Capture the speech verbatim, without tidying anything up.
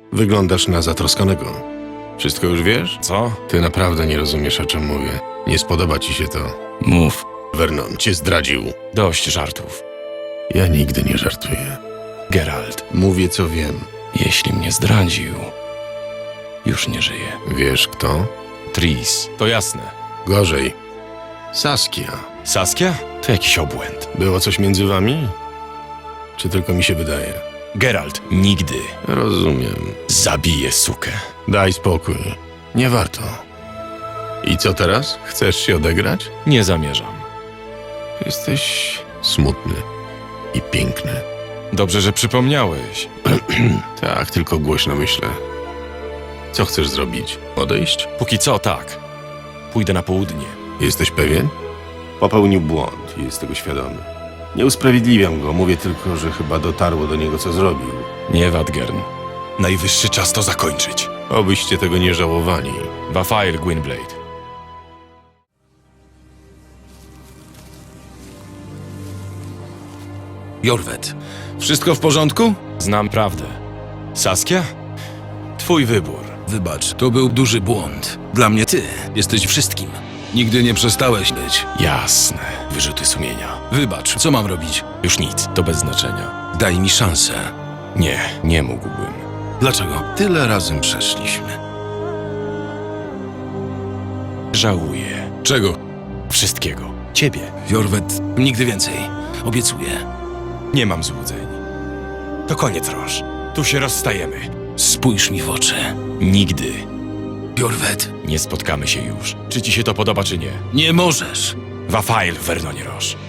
Wyglądasz na zatroskanego. Wszystko już wiesz? Co? Ty naprawdę nie rozumiesz, o czym mówię. Nie spodoba ci się to. Mów. Vernon cię zdradził. Dość żartów. Ja nigdy nie żartuję. Geralt, Mówię, co wiem. jeśli mnie zdradził, już nie żyje. Wiesz kto? Tris, to jasne. Gorzej. Saskia. Saskia? To jakiś obłęd. Było coś między wami? Czy tylko mi się wydaje? Geralt, nigdy. Rozumiem. Zabiję sukę. Daj spokój. Nie warto. I co teraz? Chcesz się odegrać? Nie zamierzam. Jesteś smutny i piękny. Dobrze, że przypomniałeś. Tak, tylko głośno myślę. Co chcesz zrobić? Odejść? Póki co, tak. Pójdę na południe. Jesteś pewien? Popełnił błąd i jest tego świadomy. Nie usprawiedliwiam go, mówię tylko, że chyba dotarło do niego, co zrobił. Nie, Wadgern. Najwyższy czas to zakończyć. Obyście tego nie żałowali. Wafail, Gwynblade. Jorwet, wszystko w porządku? Znam prawdę. Saskia? Twój wybór. Wybacz, to był duży błąd. Dla mnie ty jesteś wszystkim. Nigdy nie przestałeś być. Jasne. Wyrzuty sumienia. Wybacz, co mam robić? Już nic, to bez znaczenia. Daj mi szansę. Nie, nie mógłbym. Dlaczego? Tyle razem przeszliśmy. Żałuję. Czego? Wszystkiego. Ciebie. Jorwet, nigdy więcej. Obiecuję. Nie mam złudzeń. To koniec, Roż. Tu się rozstajemy. Spójrz mi w oczy. Nigdy Jorwet, nie spotkamy się już. Czy ci się to podoba, czy nie? nie możesz. Wafail, Vernonie Roż.